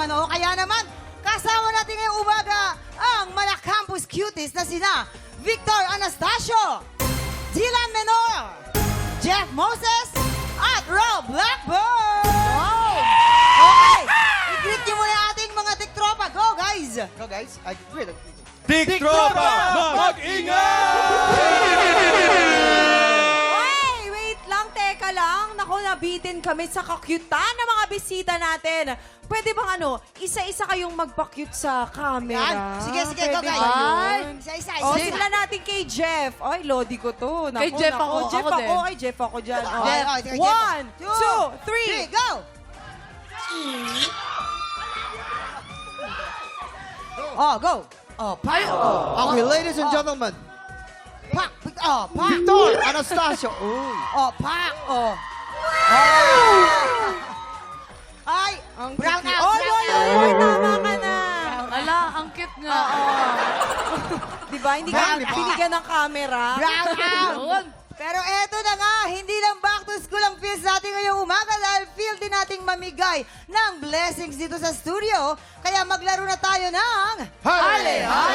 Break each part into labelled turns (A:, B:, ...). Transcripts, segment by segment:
A: naman, oh. Kaya naman, kasama natin ngayong umaga ang mga campus cuties na sina Victor Anastasio, Dylan Menor, Jeff Moses, at Rob Blackburn! Wow! Okay, i-greet niyo muna ating mga tiktropa. Go, guys!
B: Go guys. Great.
C: Tiktropa, mag-ingat!
D: Ay, wait lang, teka lang. Naku, nabitin kami sa kakyutan ng mga bisita natin. Pwede bang isa-isa kayong magpa-cute sa camera?
A: Yan. Sige, go,
D: Pwede
A: guys.
D: ba yun?
A: Isa-isa.
D: O, simulan natin kay Jeff. Ay, lodi ko to. Naku,
E: Kay Jeff ako.
D: Jeff
E: Ako
D: ako.
E: din.
D: Kay Jeff ako dyan. O.
A: Jeff.
D: One, two, three.
A: Go! Oh, go! Oh, pak!
B: Okay, ladies and gentlemen.
A: Pak! Oh, pak!
B: Victor Anastasio. Uy.
A: Oh, pak! Oh. Ay!
D: Ang
A: Brown
D: cute.
A: out!
D: Oy,
A: Brown
D: oy,
A: out!
D: oy, tama ka na.
E: Ala, ang cute nga.
D: Diba, hindi ka
B: Brown out.
D: binigyan ng camera.
A: Brown out!
E: Yun.
A: Pero eto na nga, hindi lang back to school ang feels natin ngayong umaga dahil feel din nating mamigay ng blessings dito sa studio. Kaya maglaro na tayo ng...
C: Hale!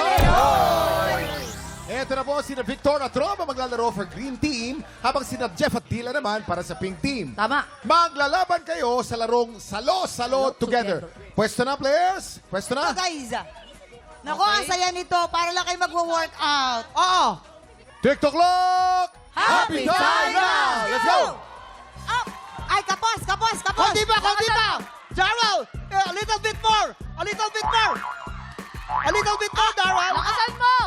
C: Ito na po sina Victor at Rob ang maglalaro for Green Team habang sina Jeff at Dila naman para sa Pink Team.
E: Tama.
C: Maglalaban kayo sa larong Salo-Salo Together. Pwesto na, players? Pwesto
A: Ito,
C: na?
A: guys. Naku, ang saya nito. Para lang kayo magwo-workout. Oo.
C: TikTok clock!
E: Happy time
C: now! Let's go!
A: Up! Ay, kapos!
B: Konti pa! Daryl! A little bit more! A little bit more, Daryl!
E: Lakasan mo!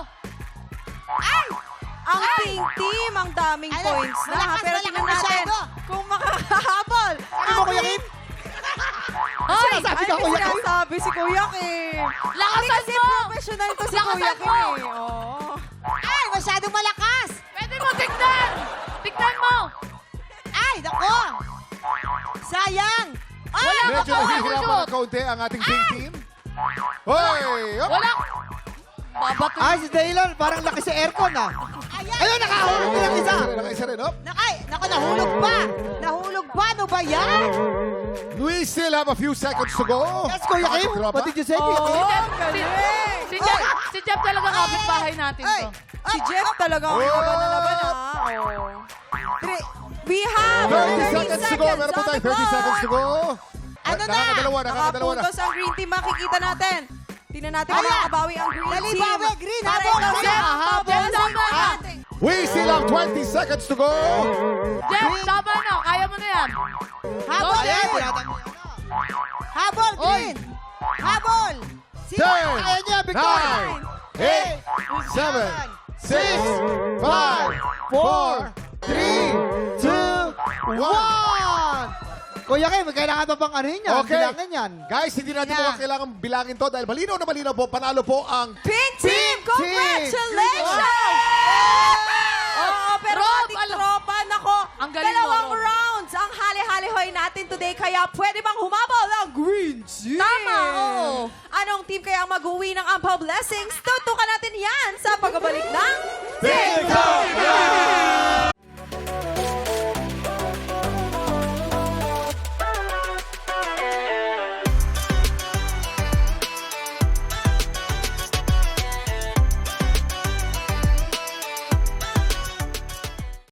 D: Ang pink team, ang daming
A: Ay,
D: points na.
A: malakas,
D: Pero
A: malakas
D: tingnan natin
A: masyado.
D: kung makakahabol.
B: Ano mo, Kuya Kim?
E: Hoy!
B: Sinasabi
D: Ay,
B: ka,
D: may
B: Kuya Kim?
D: sinasabi si Kuya Kim.
E: Lakasan
D: Kasi
E: mo!
D: professional to si
E: Lakasan
D: Kuya Kim
E: mo!
D: eh. Oo.
A: Ay, masyadong malakas!
E: Pwede mo tignan! Tignan mo!
A: Ay, naku! Sayang! Ay,
E: Wala ka
C: Medyo
E: pa
C: nahihirapan ng kaunti ang ating Pink Team. Hoy! Up!
E: Wala! Babato.
B: Ay, si Dylan, parang laki sa aircon ah.
A: Ayan!
B: Ayun, nakahulog din ang isa.
C: Nakaisa rin, up.
A: Naku, nahulog pa! Nahulog pa! Ano ba yan?
C: We still have a few seconds to go.
B: Yes, Kuya Kim.
C: Tropa.
B: What did you say, Kuya
D: Oo,
B: Kim?
D: ang galing.
E: Si Jeff talaga kapitbahay natin
A: Ay!
E: to.
D: Si Jeff talagang
C: Oh!
D: laban na laban ha. Oo. We have
C: 30 seconds to go. Meron po tayo 30 seconds to go.
A: Ano na?
C: Nakakadalawa na.
D: Nakapuntos ang green team, makikita natin. Tingnan natin kung
A: Ala!
D: makakabawi ang green
A: Dali,
D: team.
A: bawi, green,
D: Para
A: habol,
D: ikaw,
A: green.
D: Jeff,
E: Jeff, tama na.
C: We still have 20 seconds to go.
E: Jeff, tama na. Kaya mo na yan.
A: Habol,
E: Go,
B: Ayan,
A: green!
B: tinatanggi.
A: Habol, green! Habol! Sino?
C: 10,
B: Ayan niya, Victor.
C: 9, 8, 7, 6, 5, 4, 3, 2, 1.
B: Kuya Kim, kailangan pa bang ano yun yan?
C: Okay.
B: Bilangin yan.
C: Guys, hindi natin
A: Yeah.
C: po kailangan bilangin to dahil malinaw na malinaw po. Panalo po ang
D: Pink team, congratulations! Oo, pero
E: Rob,
D: ating tropa, nako,
E: Ang galing mo,
D: dalawang
E: Rob.
D: rounds ang hali-halihoy natin today, kaya pwede bang humabol ang green team?
E: Tama, oo.
D: Anong team kaya ang mag-uwi ng Ampaw Blessings? Tutukan natin yan sa pagbabalik ng
C: TikTok Live!